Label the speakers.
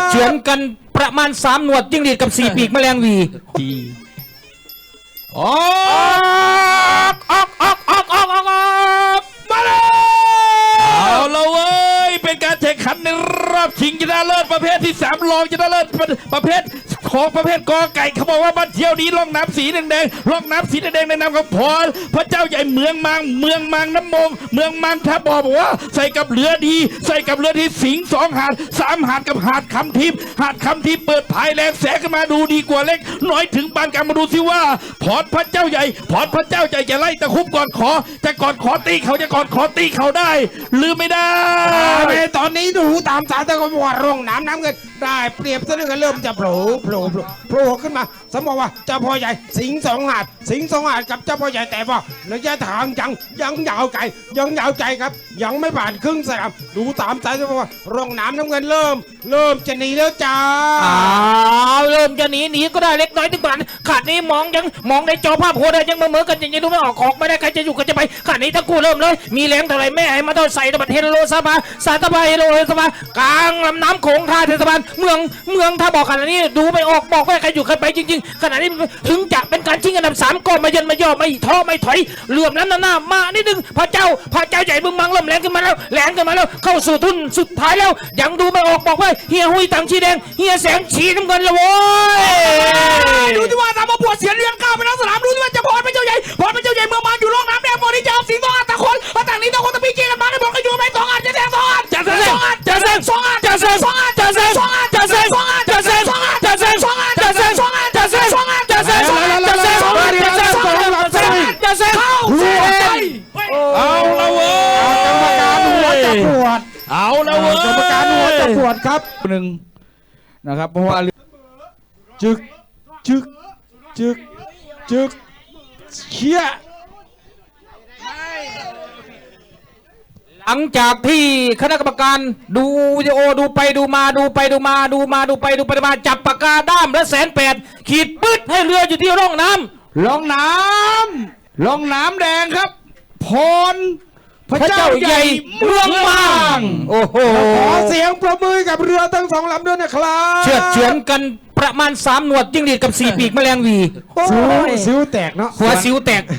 Speaker 1: เฉือนกันประมาณ3หนวดจิ้งหรีดกับ4ปีกแมลงวีออก
Speaker 2: มาเลยเอาละเว้ยเป็นการแข่งขันในรอบชิงชนะเลิศประเภทที่3รองชนะเลิศประเภทของประเภทกอไก่เขาบอกว่าบ้านเที่ยวนี้ร่องน้ำสีแดงร่องน้ำสีแดงในนามของพระเจ้าใหญ่เมืองมังน้ำมงเมืองมังท่าบอกว่าใส่กับเรือดีใส่กับเรือที่สิง2 หาด3 หาดกับหาดคำทิพย์เปิดภายแรงแสงขึ้นมาดูดีกว่าเล็กน้อยถึงปานกลางมาดูสิว่าพระเจ้าใหญ่จะไล่ตะคุบก่อนขอตีเขาจะก่อนขอตีเขาได้หรือไม่ได้
Speaker 3: ตอนนี้ดูตามสารตะกอนว่าร่องน้ำเงินได้เปรียบซะด้วยกันเริ่มจะโผล่ขึ้นมาสมมติว่าเจ้าพ่อใหญ่สิง2 หาดกับเจ้าพ่อใหญ่แต่ว่าระยะทางยังยาวไกลครับยังไม่ผ่านครึ่งสนามดูตามสายตะกอนว่าร่องน้ำเงินเริ่มจะหนีแล้วจ้า
Speaker 1: เริ่มจะหนีก็ได้เล็กน้อยถึงกว่าขาดนี้มองในจอภาพโหดยังเหมือนกันยังดูไม่ออกไม่ได้ใครจะอยู่กันจะไปขาดนี้ทั้งคู่เริ่มเลยมีแรงเท่าไรแม่ให้มาเท่าใส่ตะบัดเฮโลซาบาเฮโลซาบากลางลำน้ำโขงท่าเทศบาลเมืองถ้าบอกขนาดนี้ดูไม่ออกบอกไม่ได้ใครอยู่ใครไปจริงๆขนาดนี้ถึงจะเป็นการชิงอันดับ3ก็ไม่ย่อไม่ท้อไม่ถอยเหลื่อมน้ำหน้ามานิดนึงพระเจ้าใหญ่เมืองมังเริ่มแรงขึ้นมาแล้วเข้าสู่ทุนสุดท้ายแล้วยังดูไม่ออกบอกว่าเฮียหุยตังชีแดงเฮียแสงชีน้ำเงินละโว้ย
Speaker 3: ดูที่ว่าตามมาปวดเสียเลี้ยงก้าวไปทั้งสนามดูที่ว่าจะพรเป็นเจ้าใหญ่เมืองมันอยู่ร่องน้ำแดงพอที่จะเอาสิง2 หาดตะคนต่างนี้ตะคนตะปีเกี่ยกันมาได้บอกกันอยู่ไหม2 หาดจะแซง2 หาดจะแซง2 หาด
Speaker 2: เอาละเว้ย
Speaker 3: กรรมการหัวจะปวดครับ
Speaker 2: หนึ่งนะครับเพราะว่าจึกเชี่ย
Speaker 1: หลังจากที่คณะกรรมการดูวิดีโอดูไปดูมาจับปากกาด้ามและ108ขีดปึ๊ดให้เรืออยู่ที่ร่องน้
Speaker 2: ำแดงครับพระเจ้าใหญ่เมืองมัง
Speaker 1: โอ้โห
Speaker 3: ขอเสียงประมือกับเรือทั้ง2 ลำด้วยนะครับ
Speaker 1: เฉือนกันประมาณ3หนวดจิ้งหรีดกับ4ปีกแมลงวี
Speaker 3: สิวแตกเนาะ
Speaker 1: หัวสิวแตก